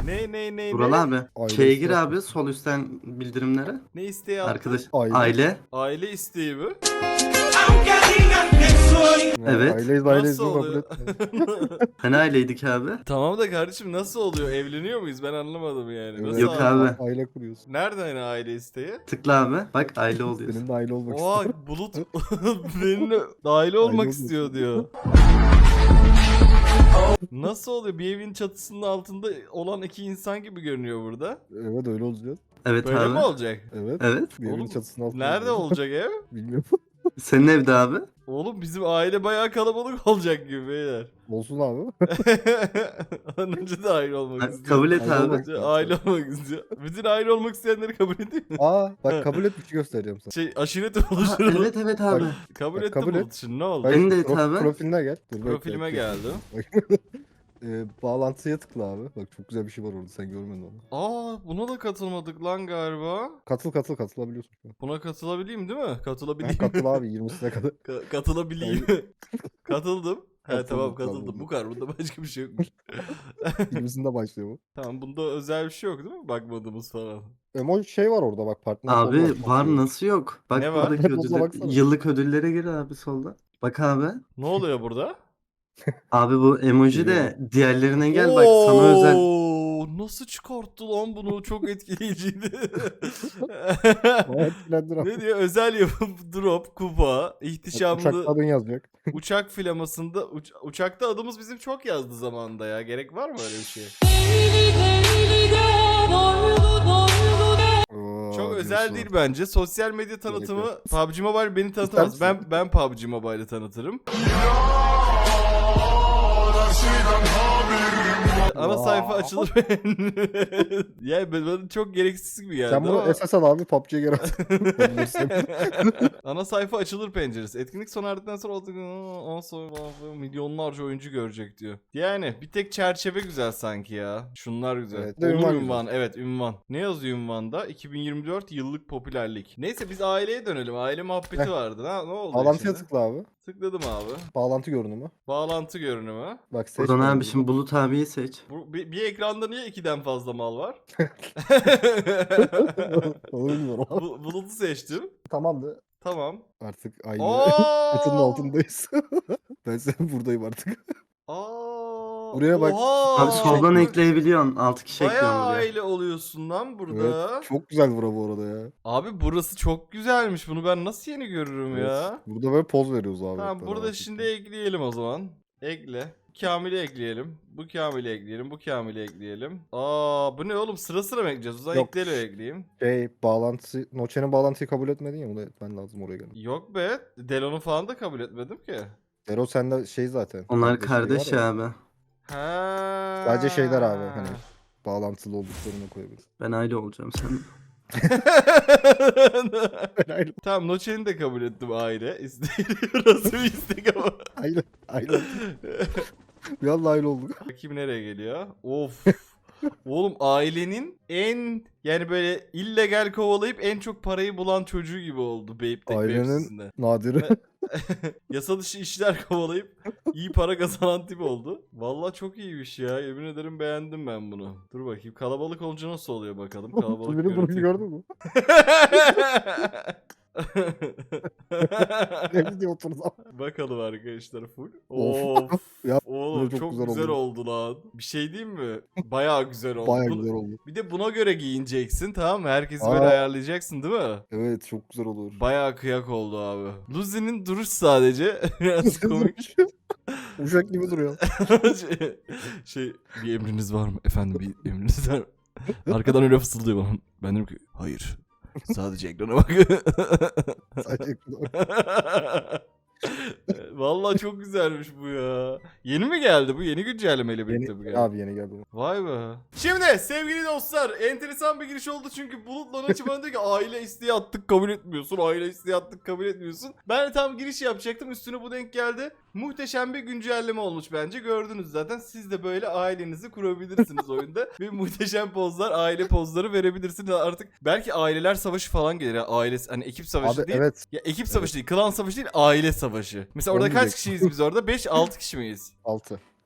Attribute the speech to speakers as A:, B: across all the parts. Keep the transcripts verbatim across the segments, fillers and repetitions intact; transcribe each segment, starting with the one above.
A: Ne ne ne
B: Vural
A: ne?
B: abi.
C: Aile
B: Şeye
C: isteği.
B: gir abi sol üstten bildirimlere.
A: Ne isteği attın?
B: Arkadaş
C: Aile.
B: aile.
A: Aile isteği mi?
B: Evet.
C: Aileyiz aileyiz
A: Nasıl
C: kabul
A: oluyor?
C: etmiyor.
B: Hani aileydik abi?
A: Tamam da kardeşim nasıl oluyor? Evleniyor muyuz? Ben anlamadım yani. Nasıl
B: Yok
A: aile?
B: abi.
C: Aile kuruyorsun.
A: Nerede hani aile isteği?
B: Tıkla abi. Bak aile oluyorsun.
C: Senin de aile olmak
A: Oha
C: istiyorum.
A: Bulut benimle aile olmak
C: olmak
A: istiyor diyor. Nasıl oluyor? Bir evin çatısının altında olan iki insan gibi görünüyor burada.
C: Evet öyle olacağız.
B: Evet
A: Böyle
B: abi.
A: mi olacak?
C: Evet.
B: Evet.
C: Bir evin
A: Oğlum,
C: çatısının altında.
A: Nerede olacak ev?
C: Bilmiyorum.
B: Senin evde abi.
A: Oğlum bizim aile bayağı kalabalık olacak gibi beyler.
C: Olsun abi.
A: Önce de aile olmak
B: Ha,
A: istiyor.
B: kabul et
C: Aile
B: abi.
C: olmak-
A: Önce aile olmak istiyor. Bütün aile olmak isteyenleri kabul ediyor mu?
C: Aa bak kabul et bir şey göstereceğim sana.
A: Şey aşiret
B: Ha,
A: oluşturalım.
B: evet evet abi.
C: Bak,
A: Kabul
C: Bak,
A: ettim
C: kabul
A: Bulut
C: et.
A: şimdi ne oldu?
C: Bak,
B: Benim de et
C: pro-
B: abi.
C: Profiline gel. Dur, bekle,
A: Profilime
C: bekle.
A: geldi.
C: Ee, bağlantıya tıkla abi. Bak çok güzel bir şey var orada sen görmedin onu.
A: Aa buna da katılmadık lan galiba.
C: Katıl katıl katılabiliyorsun şu an.
A: Buna katılabileyim değil mi?
C: Ha,
A: Katılabileyim.
C: katıl abi yirmisine kadar.
A: Ka- katılabileyim. Katıldım. He
C: Katıldım,
A: tamam
C: tamam.
A: katıldım. Bu kadar. Bunda başka bir şey yokmuş.
C: yirmisinde başlıyor bu.
A: Tamam bunda özel bir şey yok değil mi? Bakmadığımız falan.
C: Emoji şey var orada bak partner.
B: Abi
C: olmak
B: var
C: diyor.
B: nasıl yok? Bak
A: Ne var?
B: buradaki
C: Buzdolabı
B: ödüller,
C: baksana.
B: yıllık ödüllere gir abi solda. Bak abi.
A: Ne oluyor burada?
B: Abi bu emoji de
C: Geliyor.
B: diğerlerine gel bak sana özel.
A: Oo, nasıl çıkarttı lan bunu? Çok etkileyiciydi.
C: Ama etkilendir abi.
A: Ne diyor? Özel yapım drop, kupa, ihtişamlı
C: Uçakta adın yazacak.
A: uçak flamasında uç- uçakta adımız bizim çok yazdı zamanında ya. Gerek var mı öyle bir şey?
C: Oo,
A: Çok
C: diyorsun.
A: özel değil bence. Sosyal medya tanıtımı P U B G Mobile beni tanıtamaz.
C: İster
A: Ben
C: misin?
A: ben P U B G Mobile'ı tanıtırım. Ana sayfa açılır. Ya ben- bana çok gereksiz gibi geldi
C: Sen bunu
A: ama.
C: esas al abi P U B G'ye geri at. Ben bilsem.
A: Ana sayfa açılır penceresi. Etkinlik sona erdikten sonra on sonra milyonlarca oyuncu görecek diyor. Yani bir tek çerçeve güzel sanki ya. Şunlar güzel.
C: Evet, de
A: Olur
C: ünvan
A: ünvan. Evet ünvan. Ne yazıyor ünvanda? iki bin yirmi dört yıllık popülerlik. Neyse biz aileye dönelim. Aile muhabbeti
C: Heh.
A: vardı. Ha, ne oldu
C: Bağlantıya
A: şimdi?
C: tıkla abi.
A: Tıkladım abi.
C: Bağlantı görünümü.
A: Bağlantı görünümü.
C: Bak seç.
B: Buradan
C: bana
B: abi
C: bunu.
B: şimdi Bulut abiyi seç.
A: Bu, bir, bir ekranda niye ikiden fazla mal var?
C: Onu bilmiyorum abi.
A: Bu, Bulut'u seçtim.
C: Tamamdı.
A: Tamam.
C: Artık aynı
A: Aa!
C: çatının altındayız. Ben senin buradayım artık.
A: Aa!
C: Buraya bak.
A: Oha!
B: Abi soldan ekleyebiliyorsun. altı kişi ekliyorsun
A: Bayağı
B: buraya.
A: aile oluyorsun lan burada.
C: Evet, çok güzel bura bu arada ya.
A: Abi burası çok güzelmiş. Bunu ben nasıl yeni görürüm ya?
C: Evet. Burada böyle poz veriyoruz abi.
A: Tamam
C: hep
A: burada
C: beraber.
A: şimdi ekleyelim o zaman. Ekle. Kamil'i ekleyelim. Bu Kamil'i ekleyelim. Bu Kamil'i ekleyelim. Aa bu ne oğlum sıra sıra mı ekleyeceğiz? O zaman
C: Yok.
A: ekleyle ekleyeyim.
C: Şey bağlantısı, Noche'nin bağlantıyı kabul etmedin ya bunu etmen lazım oraya gelin.
A: Yok be. Delon'u falan da kabul etmedim ki.
C: Ero sende şey zaten.
B: Onlar
C: kardeş
B: kardeş
C: şey var ya,
B: abi.
A: Ha.
C: Sadece şeyler abi hani bağlantılı olduklarını koyabiliriz.
B: Ben aile olacağım sen.
A: Tamam Noche'ni de kabul ettim aile. İsteği nasıl bir istek ama.
C: Aynen. Aynen. Bir anda aile olduk.
A: Bakayım nereye geliyor. Of. Oğlum ailenin en yani böyle illegal kovalayıp en çok parayı bulan çocuğu gibi oldu Beyp'teki
C: Ailenin-
A: mevzusunda.
C: Nadiri.
A: Yasa dışı işler kovalayıp iyi para kazanan tip oldu. Vallahi çok iyiymiş ya. Yemin ederim beğendim ben bunu. Dur bakayım kalabalık olunca nasıl oluyor bakalım. Kalabalık
C: Biri bunu
A: görüntü.
C: gördün mü? Ne diye oturdu ama.
A: Bakalım arkadaşlar full.
C: Of.
A: Of.
C: Ya,
A: Oğlum
C: çok
A: çok,
C: güzel
A: güzel,
C: oldu.
A: oldu lan. Bir şey diyeyim mi? Bayağı güzel oldu.
C: Baya
A: Bunu-
C: güzel oldu.
A: Bir de buna göre giyineceksin tamam mı? Herkesi
C: Aa.
A: böyle ayarlayacaksın değil mi?
C: Evet çok güzel olur.
A: Bayağı kıyak oldu abi. Luzi'nin duruş sadece biraz komik.
C: Uşak gibi duruyor.
A: şey, şey bir emriniz var mı? Efendim bir emriniz var mı? Arkadan öyle fısıldıyor bana. Ben dedim ki hayır. Sadece ekrana bak.
C: Sadece
A: Vallahi çok güzelmiş bu ya. Yeni mi geldi bu? Yeni güncellemeyle birlikte bu
C: yeni,
A: geldi.
C: abi yeni geldi.
A: Vay be. Şimdi sevgili dostlar enteresan bir giriş oldu çünkü Bulut'la Noçi bana diyor ki aile isteği attık kabul etmiyorsun. Aile isteği attık kabul etmiyorsun. Ben de tam giriş yapacaktım üstüne bu denk geldi. Muhteşem bir güncelleme olmuş bence gördünüz zaten. Siz de böyle ailenizi kurabilirsiniz oyunda. Ve muhteşem pozlar aile pozları verebilirsiniz artık. Belki aileler savaşı falan gelir ya ailesi hani ekip savaşı
C: Abi
A: değil.
C: evet
A: Ya ekip savaşı değil klan savaşı değil aile savaşı. Mesela
C: Onu
A: orada kaç
C: diyecektim.
A: kişiyiz biz orada? beş altı kişi miyiz?
C: altı.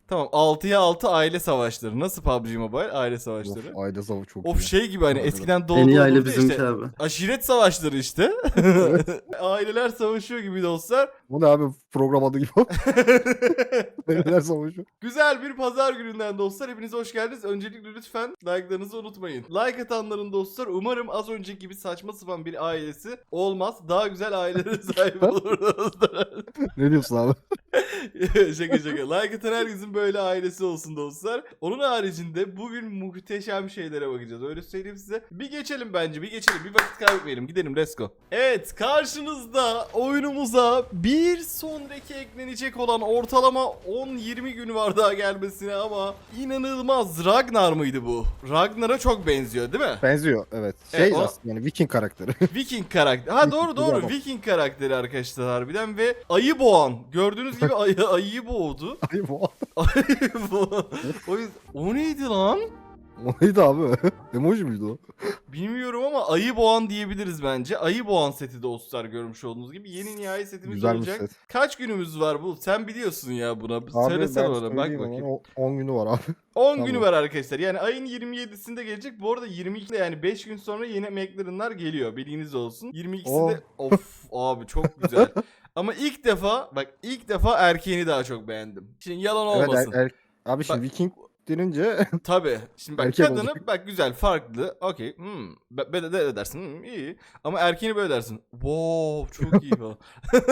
A: Tamam, altıya altı aile savaşları. Nasıl P U B G Mobile? Aile savaşları.
C: Of, aile savaşı çok
A: Of
C: iyi.
A: şey gibi hani
C: Aynen.
A: eskiden
B: En
A: doğdu
B: iyi aile
A: olurdu
B: bizimki
A: işte.
B: abi.
A: Aşiret savaşları işte. Aileler savaşıyor gibi dostlar.
C: Bu ne abi, program adı gibi. Aileler savaşı.
A: Güzel bir pazar gününden dostlar. Hepiniz hoş geldiniz. Öncelikle lütfen like'larınızı unutmayın. Like atanların dostlar umarım az önceki gibi saçma sapan bir ailesi olmaz. Daha güzel ailelere sahip olur dostlar.
C: Ne diyorsun abi?
A: Şaka şaka. Like atan herkesin böyle ailesi olsun dostlar. Onun haricinde bugün muhteşem şeylere bakacağız. Öyle söyleyeyim size. Bir geçelim bence. Bir geçelim. Bir vakit kaybetmeyelim. Gidelim. Let's go. Evet. Karşınızda oyunumuza bir sonraki eklenecek olan ortalama on yirmi gün var daha gelmesine ama inanılmaz. Ragnar mıydı bu? Ragnar'a çok benziyor değil mi?
C: Benziyor evet. Şey
A: Evet, o-
C: aslında yani Viking karakteri.
A: Viking karakter. Ha doğru doğru.
C: Güzel.
A: Viking karakteri arkadaşlar harbiden ve ayı boğan. Gördüğünüz gibi ayı, ayıyı boğdu.
C: Ay bu.
A: Ayı boğan. O, yüzden- o neydi lan?
C: O neydi abi? Emoji miydi o?
A: Bilmiyorum ama ayı boğan diyebiliriz bence. Ayı boğan seti dostlar görmüş olduğunuz gibi. Yeni nihai setimiz
C: Güzelmiş
A: olacak.
C: set.
A: Kaç günümüz var bu? Sen biliyorsun ya buna.
C: Abi
A: Söylesene
C: ben
A: bana bak
C: söyleyeyim
A: bakayım.
C: ama o- on günü var abi.
A: on
C: Tamam.
A: günü var arkadaşlar. Yani ayın yirmi yedisinde gelecek. Bu arada yirmi ikide yani beş gün sonra yeni McLaren'lar geliyor. Bilginiz olsun. yirmi ikisinde of abi çok güzel. Ama ilk defa bak ilk defa erkeğini daha çok beğendim. Şimdi yalan
C: Evet,
A: olmasın.
C: er- er- abi şimdi
A: Bak-
C: Viking denince
A: Tabii. Şimdi bak
C: Erkek
A: kadını
C: olacak.
A: bak güzel farklı. Okey. Hmm. Be- Böyle de dersin. Hmm, iyi. Ama erkeğini böyle dersin. Wow çok iyi falan.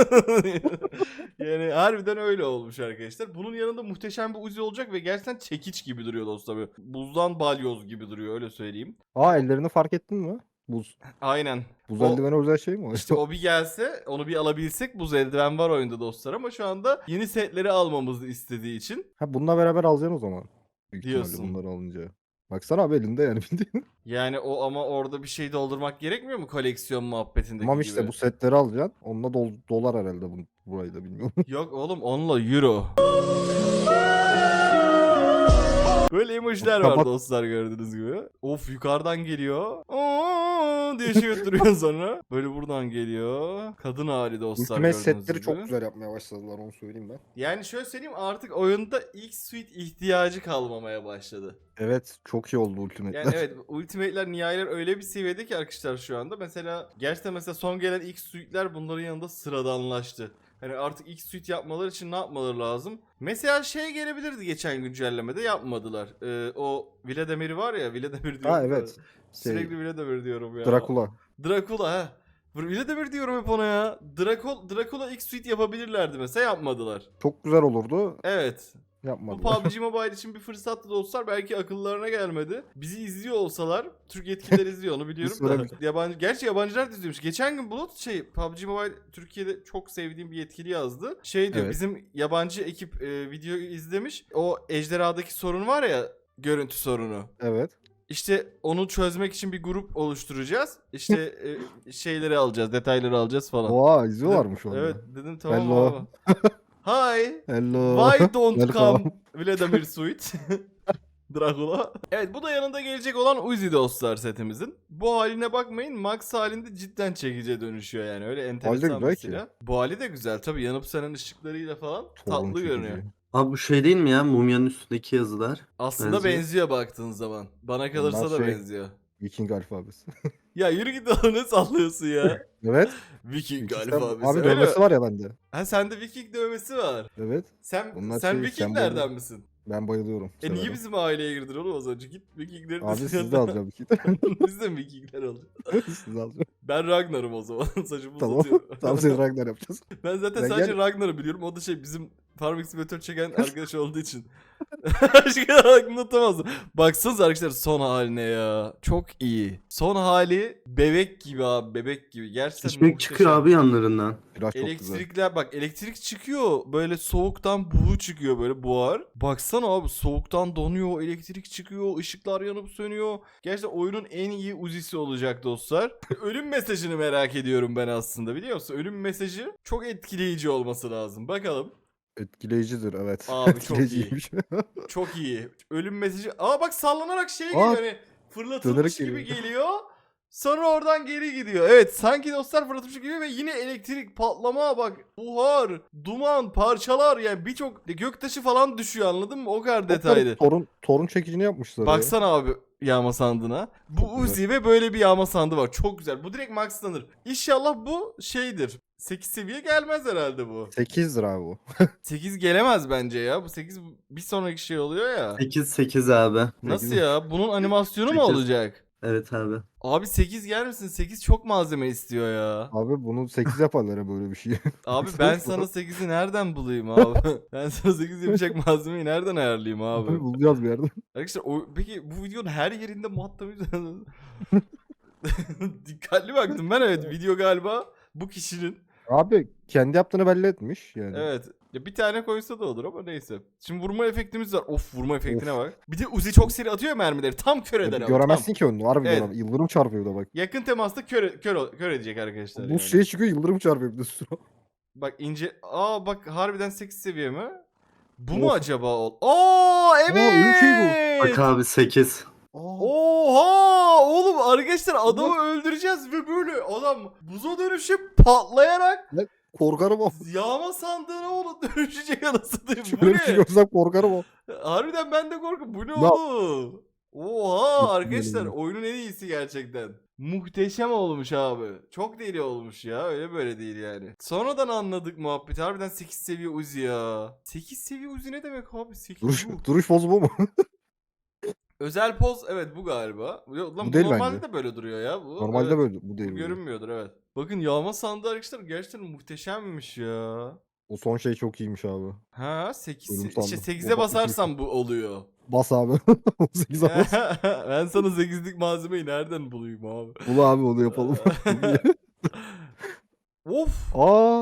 A: Yani harbiden öyle olmuş arkadaşlar. Bunun yanında muhteşem bir Uzi olacak ve gerçekten çekiç gibi duruyor dostlar. Böyle buzdan balyoz gibi duruyor öyle söyleyeyim.
C: aa ellerini fark ettin mi? Buz.
A: Aynen.
C: Buz
A: O-
C: eldiveni özel şey mi o?
A: İşte o bir gelse onu bir alabilsek buz eldiven var oyunda dostlar ama şu anda yeni setleri almamızı istediği için.
C: Ha bununla beraber alacaksın o zaman. Büyük ihtimalle
A: Diyorsun.
C: bunları alınca. Baksana abi elinde yani bildiğin.
A: Yani o ama orada bir şey doldurmak gerekmiyor mu koleksiyon muhabbetindeki
C: Tamam
A: gibi?
C: işte bu setleri alacaksın. Onunla dol dolar herhalde bu burayı da bilmiyorum.
A: Yok oğlum onunla euro. Böyle emojiler var
C: Kapat.
A: dostlar gördüğünüz gibi. Of yukarıdan geliyor. Aa diye şey öttürüyor sonra. Böyle buradan geliyor. Kadın hali dostlar
C: Ultimate
A: gördüğünüz
C: setleri
A: gibi.
C: çok güzel yapmaya başladılar onu söyleyeyim ben.
A: Yani şöyle söyleyeyim artık oyunda X-Suite ihtiyacı kalmamaya başladı.
C: Evet çok iyi oldu Ultimate'ler.
A: Yani evet Ultimate'ler nihayeler öyle bir seviyede ki arkadaşlar şu anda. Mesela gerçekten mesela son gelen X-Suite'ler bunların yanında sıradanlaştı. Hani artık X-Suite yapmaları için ne yapmaları lazım? Mesela şey gelebilirdi geçen güncellemede yapmadılar. Ee, o Vladimir var ya Vladimir diyorum.
C: Ha
A: da.
C: evet.
A: Sürekli
C: Şey,
A: Vladimir diyorum ya.
C: Dracula.
A: Dracula ha. Vladimir diyorum hep ona ya. Dracula, Dracula X-Suite yapabilirlerdi mesela yapmadılar.
C: Çok güzel olurdu.
A: Evet. Bu
C: Yapmadılar.
A: P U B G Mobile için bir fırsattı dostlar. Belki akıllarına gelmedi. Bizi izliyor olsalar, Türk yetkililer izliyor onu biliyorum
C: Biz böyle
A: da.
C: bir-
A: Yabancı, gerçi yabancılar da izliyormuş. Geçen gün Bulut şey P U B G Mobile Türkiye'de çok sevdiğim bir yetkili yazdı. Şey diyor
C: Evet.
A: bizim yabancı ekip e, videoyu izlemiş. O ejderhadaki sorun var ya görüntü sorunu.
C: Evet.
A: İşte onu çözmek için bir grup oluşturacağız. İşte e, şeyleri alacağız, detayları alacağız falan.
C: Oha izliyorlarmış onu.
A: Evet dedim tamam
C: Hello.
A: abi. Hi.
C: Hello.
A: Why don't
C: Welcome.
A: come Vladimir Suite? Dracula. Evet bu da yanında gelecek olan Uzi dostlar setimizin. Bu haline bakmayın Max halinde cidden çekice dönüşüyor yani öyle enteresan
C: güzel
A: bir
C: ki.
A: silah. Bu hali de güzel tabi yanıp sönen ışıklarıyla falan
C: Torun
A: tatlı
C: çekici.
A: görünüyor.
B: Abi bu şey değil mi ya? Mumyanın üstündeki yazılar.
A: Aslında
B: Benziyor.
A: benziyor baktığın zaman. Bana kalırsa
C: Bunlar
A: da
C: şey-
A: benziyor.
C: Viking alfabesi.
A: Ya yürü git oğlum ne sallıyorsun ya.
C: Evet.
A: Viking
C: Sistem-
A: alfabesi.
C: Abi
A: öyle mi?
C: dövmesi var ya bende.
A: Ha sende Viking dövmesi var.
C: Evet.
A: Sen
C: Bunlar
A: sen
C: şey,
A: Vikinglerden
C: sembolü.
A: misin?
C: Ben bayılıyorum.
A: E niye
C: severim.
A: bizim aileye girdin oğlum az önce? Git Vikinglerin
C: Abi
A: üstüne-
C: siz de alacağım iki.
A: Biz de mi Vikingler alacağız?
C: Siz de alacağım.
A: Ben Ragnar'ım o zaman. Saçımı
C: Tamam.
A: uzatıyorum.
C: Tamam seni Ragnar yapacağız.
A: Ben zaten
C: Ben
A: sadece
C: gel-
A: Ragnar'ı biliyorum. O da şey bizim Farming Simulator çeken arkadaş olduğu için. Başka aklımda tutamazdım. Baksanıza arkadaşlar son haline ya. Çok iyi. Son hali bebek gibi abi. Bebek gibi. Gerçekten
B: Çeşmek
A: muhteşem.
B: çıkıyor abi yanlarından.
C: Biraz çok güzel.
A: Elektrikler bak elektrik çıkıyor böyle soğuktan buğu çıkıyor böyle buhar. Baksana abi soğuktan donuyor elektrik çıkıyor ışıklar yanıp sönüyor. Gerçekten oyunun en iyi Uzi'si olacak dostlar. Ölüm mesajını merak ediyorum ben aslında biliyor musun? Ölüm mesajı çok etkileyici olması lazım. Bakalım.
C: Etkileyicidir evet.
A: Abi çok
C: Etkileyiciymiş.
A: Çok iyi. Ölüm mesajı. Aa bak sallanarak şey
C: Aa,
A: geliyor hani fırlatılmış
C: dönerek
A: gibi
C: geliyor.
A: geliyor. Sonra oradan geri gidiyor. Evet sanki dostlar fırlatmış gibi ve yine elektrik patlama bak. Buhar, duman, parçalar yani birçok göktaşı falan düşüyor anladın mı? O kadar detaylı.
C: Torun, torun çekicini yapmışlar ya.
A: Baksana abi yağma sandığına. Bu
C: Çok güzel.
A: Uzi ve böyle bir yağma sandığı var. Çok güzel. Bu direkt maxlanır. İnşallah bu şeydir. sekiz seviye gelmez herhalde bu.
C: sekiz lira abi bu.
A: sekiz gelemez bence ya. Bu sekiz bir sonraki şey oluyor ya.
B: sekiz sekiz abi.
A: Nasıl ya? Bunun animasyonu mu
B: sekiz.
A: olacak?
B: Evet abi.
A: Abi sekiz yer misin? sekiz çok malzeme istiyor ya.
C: Abi bunu sekiz yaparlar ya böyle bir şey.
A: Abi ben sana sekizi nereden bulayım abi? Ben sana sekiz yapacak malzemeyi nereden ayarlayayım abi?
C: Abi bulacağız bir yerden.
A: Arkadaşlar o, peki bu videonun her yerinde muhatabı dikkatli baktım ben, evet video galiba bu kişinin.
C: Abi kendi yaptığını belli etmiş yani.
A: Evet. Ya bir tane koysa da olur ama neyse. Şimdi vurma efektimiz var. Of vurma efektine
C: Of.
A: bak. Bir de Uzi çok seri atıyor ya mermileri. Tam kör eder
C: Yani
A: ama.
C: göremezsin
A: Tam.
C: ki onu. Harbi
A: Evet.
C: göremez. Yıldırım çarpıyor da bak.
A: Yakın temasta kör, kör, kör edecek arkadaşlar.
C: Bu
A: yani.
C: şey çıkıyor yıldırım çarpıyor bir de üstüne.
A: Bak ince. Aa bak harbiden sekiz seviye mi? Bu mu
C: Of.
A: acaba? ol- Aa evet.
C: öyle bir şey bu.
B: Bak abi sekiz.
C: Aa,
A: Oha oğlum arkadaşlar adamı öldüreceğiz ve böyle adam buza dönüşüp patlayarak
C: korkarım o.
A: yağma sandığına oğlum dönüşecek anasını diyeyim. Bu
C: Şöyle bir şey
A: ne?
C: görsem korkarım o.
A: Harbiden ben de korkuyorum. Bu ne
C: Ya-
A: oğlum? Oha
C: Yok,
A: arkadaşlar
C: yok.
A: oyunun en iyisi gerçekten. Muhteşem olmuş abi. Çok deli olmuş ya. Öyle böyle değil yani. Sonradan anladık muhabbeti. Harbiden sekiz seviye Uzi ya. sekiz seviye Uzi ne demek abi? sekiz
C: Duruş,
A: bu.
C: duruş bozu bu mu?
A: Özel poz evet bu galiba. Yok, lan
C: Bu
A: bu
C: değil
A: normalde
C: bence.
A: de böyle duruyor ya bu.
C: Normalde
A: Evet.
C: böyle bu değil.
A: Bu
C: böyle.
A: görünmüyordur evet. Bakın yağma sandığı arkadaşlar gerçekten muhteşemmiş ya.
C: O son şey çok iyiymiş abi.
A: Ha sekiz
C: Ölüm
A: işte
C: sandığı.
A: sekize
C: O bak,
A: basarsan bu oluyor.
C: Bas abi. sekiz bas.
A: Ben sana sekizlik malzemeyi nereden bulayım abi?
C: Bul abi onu yapalım.
A: Of!
C: Aa.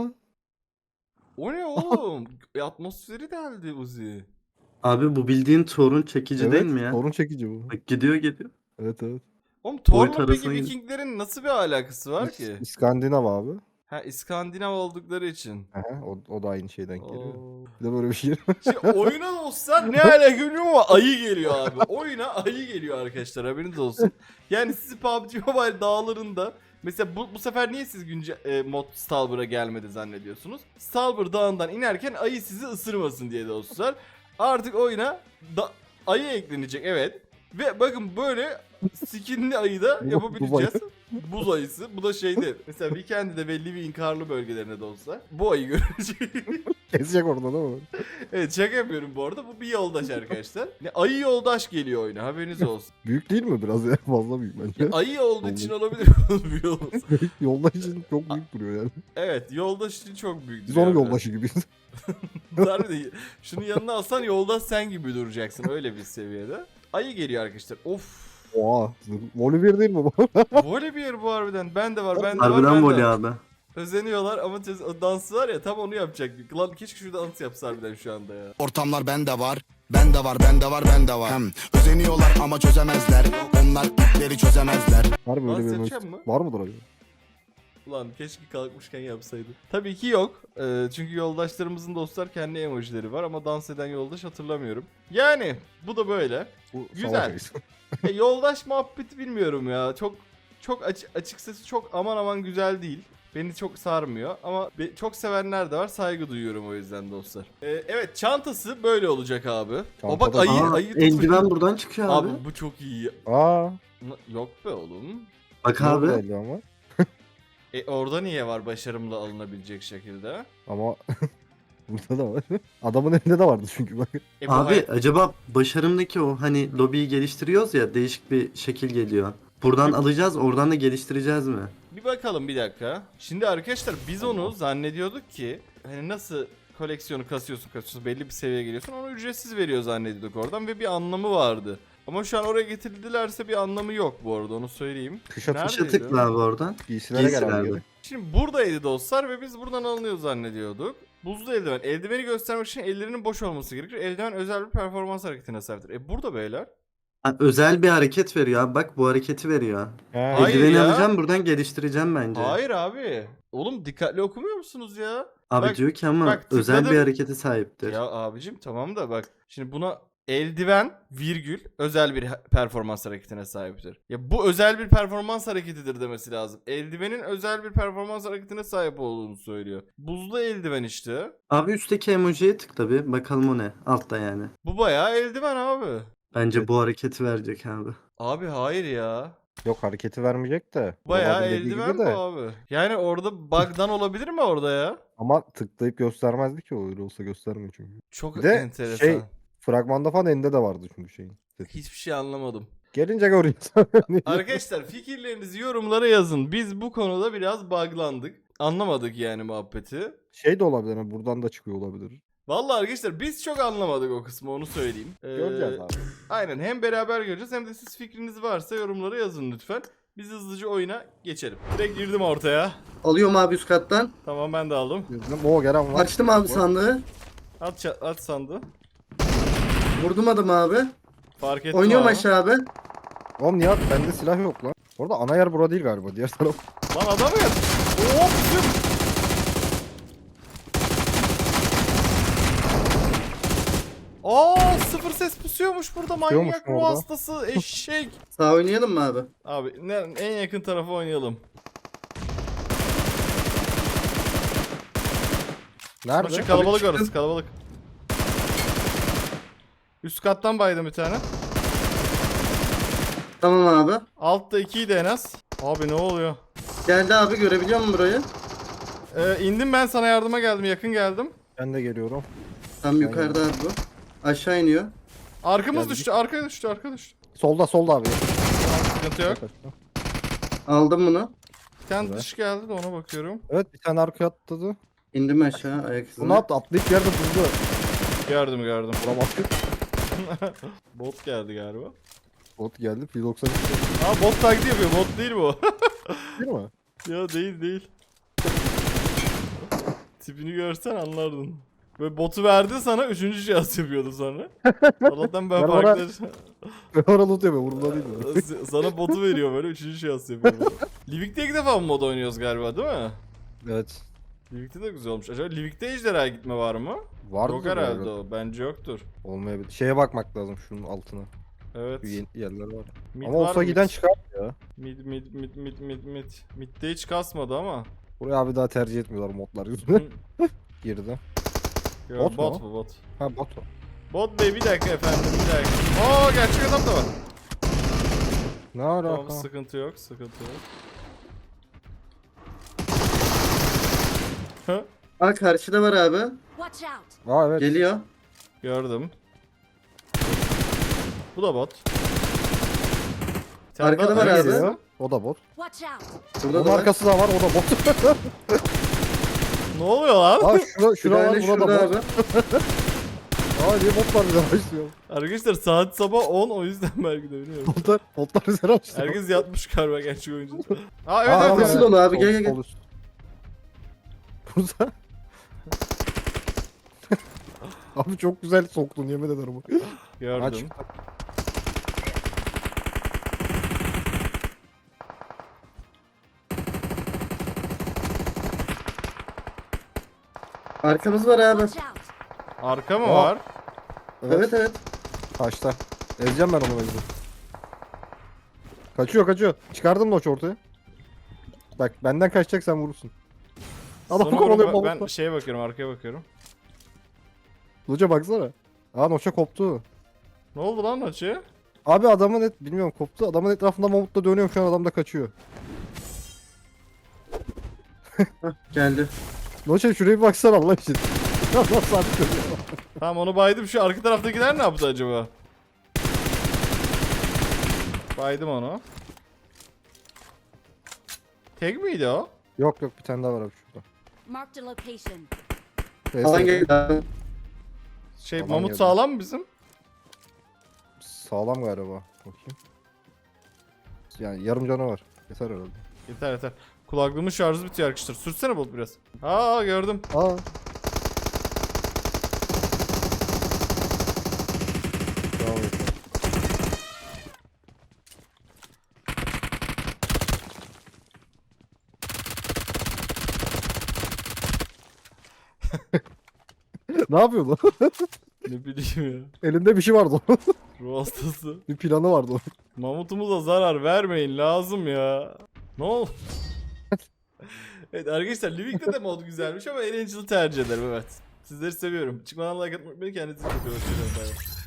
A: O ne oğlum? E, atmosferi deldi Uzi.
B: Abi bu bildiğin torun çekici
C: Evet.
B: değil mi ya?
C: Torun çekici bu.
B: Bak gidiyor gidiyor.
C: Evet evet.
A: Oğlum Thor'la
B: Boyut
A: peki
B: arasına gir-
A: Vikinglerin nasıl bir alakası var ki?
C: İskandinav abi.
A: Ha İskandinav oldukları için.
C: Aha, o, o da aynı şeyden geliyor.
A: Oo.
C: Bir de böyle bir şey.
A: Şimdi oyuna dostlar ne hale geliyor ama ayı geliyor abi. Oyuna ayı geliyor arkadaşlar haberiniz olsun. Yani sizi P U B G Mobile dağlarında mesela bu, bu sefer niye siz günce e, mod Stalber'a gelmedi zannediyorsunuz? Stalber dağından inerken ayı sizi ısırmasın diye dostlar. Artık oyuna da, ayı eklenecek evet. Ve bakın böyle skinli ayı da
C: Bu-
A: yapabileceğiz. Buz ayısı. Bu da şeyde. Mesela Weekend'de belli bir inkarlı bölgelerine de olsa bu ayı görecek.
C: Kesecek orada değil mi?
A: Evet şaka yapıyorum bu arada. Bu bir yoldaş arkadaşlar. Ne, ayı yoldaş geliyor oyuna haberiniz olsun.
C: Büyük değil mi biraz ya? Fazla büyük bence.
A: Ayı olduğu için olabilir bir yoldaş.
C: Yoldaş için çok büyük duruyor yani.
A: Evet yoldaş için çok büyük.
C: Biz onun yoldaşı gibiyiz.
A: Harbiden şunu yanına alsan yoldaş sen gibi duracaksın öyle bir seviyede. Ayı geliyor arkadaşlar. Of.
C: Oha. Volibear değil mi bu?
A: Volibear bu harbiden. Ben de var ben de var.
B: Harbiden
A: ben de
B: voley
A: var.
B: abi.
A: Özeniyorlar ama tez- o dansı var ya tam onu yapacaktık. Lan keşke şurada dans yapsa harbiden şu anda ya.
D: Ortamlar bende var, bende var, bende var, bende var. Hem özeniyorlar ama çözemezler. Onlar ipleri çözemezler.
C: Harbi
A: Dans
C: öyle bir
A: yapacak
C: emoji-
A: mı?
C: Var mıdır acaba?
A: Ulan keşke kalkmışken yapsaydı. Tabii ki yok. Ee, çünkü yoldaşlarımızın dostlar kendi emojileri var ama dans eden yoldaş hatırlamıyorum. Yani bu da böyle.
C: Bu
A: Güzel.
C: savaş ayısı.
A: E, yoldaş muhabbeti bilmiyorum ya. Çok çok açı- açıkçası çok aman aman güzel değil. Beni çok sarmıyor ama be- çok sevenler de var. Saygı duyuyorum o yüzden dostlar. Ee, evet çantası böyle olacak abi. O bak
C: Çantada-
A: ayı
B: Aa,
A: ayı tutmuş.
B: eldiven buradan çıkıyor abi.
A: Abi bu çok iyi.
C: Aa.
A: Na- Yok be oğlum.
B: Bak
C: Abi.
B: abi.
C: Ama.
A: E orada niye var başarımla alınabilecek şekilde?
C: Ama burada da var. Adamın elinde de vardı çünkü bak.
A: E, bu
B: Abi
A: hay-
B: acaba başarımdaki o hani lobiyi geliştiriyoruz ya değişik bir şekil geliyor. Buradan alacağız oradan da geliştireceğiz mi?
A: Bir bakalım bir dakika. Şimdi arkadaşlar biz onu zannediyorduk ki hani nasıl koleksiyonu kasıyorsun kasıyorsun belli bir seviyeye geliyorsun onu ücretsiz veriyor zannediyorduk oradan ve bir anlamı vardı. Ama şu an oraya getirdilerse bir anlamı yok bu arada onu söyleyeyim.
C: Kışa
A: Neredeydi?
B: Kışa tıkla abi oradan.
C: giysilere
B: Giysiler
C: gel abi.
B: abi.
C: geri.
A: Şimdi buradaydı dostlar ve biz buradan alınıyor zannediyorduk. Buzlu eldiven. Eldiveni göstermek için ellerinin boş olması gerekir. Eldiven özel bir performans hareketine sahiptir. E burada beyler.
B: Ha, özel bir hareket veriyor abi bak bu hareketi veriyor.
C: Ha,
A: Hayır
B: Eldiveni
A: ya.
B: alacağım buradan geliştireceğim bence.
A: Hayır abi. Oğlum dikkatli okumuyor musunuz ya?
B: Abi
A: Bak-
B: diyor ki ama
A: bak
B: özel
A: tıkladım.
B: bir harekete sahiptir.
A: Ya abicim tamam da bak. Şimdi buna eldiven virgül özel bir performans hareketine sahiptir. Ya bu özel bir performans hareketidir demesi lazım. Eldivenin özel bir performans hareketine sahip olduğunu söylüyor. Buzlu eldiven işte.
B: Abi üstteki emojiye tıkla bir. Bakalım o ne. Altta yani.
A: Bu bayağı eldiven abi.
B: Bence bu hareketi verecek abi.
A: Abi hayır ya.
C: Yok hareketi vermeyecek de.
A: Bayağı
C: Robot'un dediği
A: eldiven
C: gibi
A: bu
C: de.
A: abi. Yani orada bug'dan olabilir mi orada ya?
C: Ama tıklayıp göstermezdi ki o öyle olsa göstermiyor çünkü.
A: Çok
C: Bir de
A: enteresan.
C: şey fragmanda falan elinde de vardı çünkü şeyin.
A: Hiçbir şey anlamadım.
C: Gelince görüyorsun.
A: Arkadaşlar fikirlerinizi yorumlara yazın. Biz bu konuda biraz buglandık. Anlamadık yani muhabbeti.
C: Şey de olabilir hani buradan da çıkıyor olabilir.
A: Vallahi arkadaşlar biz çok anlamadık o kısmı, onu söyleyeyim. Ee,
C: Göreceğiz abi.
A: Aynen, hem beraber göreceğiz hem de siz fikriniz varsa yorumlara yazın lütfen. Biz hızlıca oyuna geçelim. Direkt girdim ortaya.
B: Alıyorum abi üst kattan.
A: Tamam, ben de aldım.
C: Bizim o gelen var.
B: Açtım abi sandığı.
A: At, ça- at sandı.
B: Vurdum adamı abi.
A: Fark ettim
B: Oynuyorum
A: abi.
B: aşağı abi.
C: Oğlum Nihat bende silah yok lan. Orada ana yer bura değil galiba diğer taraf.
A: Lan adam ya. Hop zıp. Aa, sıfır ses pusuyormuş burada,
C: Pusuyormuş
A: manyak
C: mu
A: ruh
C: orada?
A: hastası eşek.
B: Sağ oynayalım mı abi?
A: Abi ne, en yakın tarafa oynayalım.
C: Nerede?
A: Maçı kalabalık
B: çıktım.
A: orası, kalabalık. Üst kattan baydım bir tane.
B: Tamam abi.
A: Altta ikiydi en az. Abi ne oluyor?
B: Geldi abi, görebiliyor musun burayı?
A: Ee, indim ben, sana yardıma geldim, yakın geldim.
C: Ben de geliyorum.
B: Tam yukarıda abi bu. Aşağı iniyor.
A: Arkamız
C: Geldik.
A: düştü, arkaya düştü, arkaya düştü.
C: Solda solda abi.
A: Sıkıntı yok.
B: Aldım bunu.
A: Bir tane
C: Evet.
A: dış geldi de ona bakıyorum.
C: Evet bir tane arkaya atladı.
B: İndim aşağı ayak izine.
C: Bunu at atlayıp yerde buldu.
A: Gördüm gördüm.
C: Buna baktık.
A: Bot geldi galiba.
C: Bot geldi. P doksan üç
A: Aa, bot taklidi yapıyor, bot değil bu.
C: değil mi?
A: Ya değil değil. Tipini görsen anlardın. Böyle botu verdi sana, üçüncü cihaz yapıyordu sonra. Allah'tan ben
C: Ben ona-
A: farklı...
C: Ben orada loot yapıyorum. Umurumda değil mi?
A: Sana botu veriyor böyle, üçüncü cihaz yapıyor. Livik'te ilk defa mı mod oynuyoruz galiba, değil mi?
C: Evet.
A: Livik'te de güzel olmuş. Acaba Livik'te ejderha gitme var mı?
C: Vardı
A: Yok herhalde o. Bence yoktur.
C: Olmayabilir. Şeye bakmak lazım şunun altına.
A: Evet.
C: Şu yeni yerler var.
A: Mid
C: Ama
A: var
C: olsa
A: mı?
C: giden çıkar ya.
A: Mid mid mid mid mid mid. Mid'de hiç kasmadı ama.
C: Buraya abi daha tercih etmiyorlar modlar yüzünden. Girdi.
A: Yo,
C: Bot
A: bot,
C: mu?
A: bu bot.
C: Ha bot o.
A: Bot bey, bir dakika efendim, bir dakika. Oo, gerçek adam da var.
C: Ne alaka?
A: Tamam, sıkıntı yok, sıkıntı yok. Hı?
B: Aa, karşıda var abi.
E: Watch out!
C: Aa evet.
B: Geliyor.
A: Gördüm. Bu da bot. Bir tane
B: Arkada
A: daha
B: var abi.
C: Geliyor. O da bot.
E: Watch out!
B: Burada
C: Onun
B: da var.
C: arkası da var o da bot.
A: Ne oluyor lan?
C: Aa şura,
B: Bir
C: şura var
B: tane
C: burada
B: şurada
C: da
B: abi.
C: bot. Aa niye botlar bize başlıyor?
A: Arkadaşlar saat sabah on, o yüzden belki de bilmiyorum.
C: Botlar, botlar bize başlıyor.
A: Herkes yatmış galiba, gerçek oyuncu. Aa evet
C: Aa,
A: evet.
B: nasıl
A: evet.
B: dolu abi?
C: Sol-
B: Gel, gel, gel.
C: sol üst. Burada. Abi çok güzel soktun yemin ederim. Ha,
A: Gördüm.
C: çıktı.
B: Arkamız var abi.
E: Watch out!
A: Arka mı
C: Aa.
A: var?
B: Evet evet.
C: Taşta. Ezeceğim ben onu bence. Kaçıyor kaçıyor. Çıkardım Noç ortaya. Bak benden kaçacak sen vurursun. Adam
A: Sonra
C: kovalıyor
A: onu- ben
C: balıkla.
A: şeye bakıyorum, arkaya bakıyorum.
C: Noç'a baksana. Aa Noç'a koptu.
A: Ne oldu lan maçı?
C: Abi adamın et bilmiyorum koptu. Adamın etrafında mamutla dönüyorum şu an adam da kaçıyor.
B: Geldi.
C: Noç'a şuraya bir baksana Allah için. Allah sabit dönüyor.
A: Tamam, onu baydım, şu arka taraftakiler ne yaptı acaba? Baydım onu. Tek miydi o?
C: Yok yok bir tane daha var abi şurada.
E: Marked a location.
B: Alan
C: Neyse,
B: geldi abi.
A: Şey,
C: Aman
A: Mamut
C: geldi.
A: sağlam mı bizim?
C: sağlam galiba. Bakayım. Yani yarım canı var. Yeter herhalde.
A: Yeter yeter. Kulaklığımın şarjı bitiyor arkadaşlar. Sürsene Bulut biraz. Aa, gördüm.
C: Aa. Bravo. Ne yapıyordu?
A: Ne bileyim ya.
C: Elinde bir şey vardı onun.
A: Ruh hastası.
C: Bir planı vardı onun.
A: Mamutumuza zarar vermeyin lazım ya. Ne oldu? Evet arkadaşlar Living'de de mod güzelmiş ama Erangel'ı tercih ederim evet. Sizleri seviyorum. Çıkmadan like atmayı unutmayın. Kendinize iyi bakın. Hoşçakalın. Bay bay.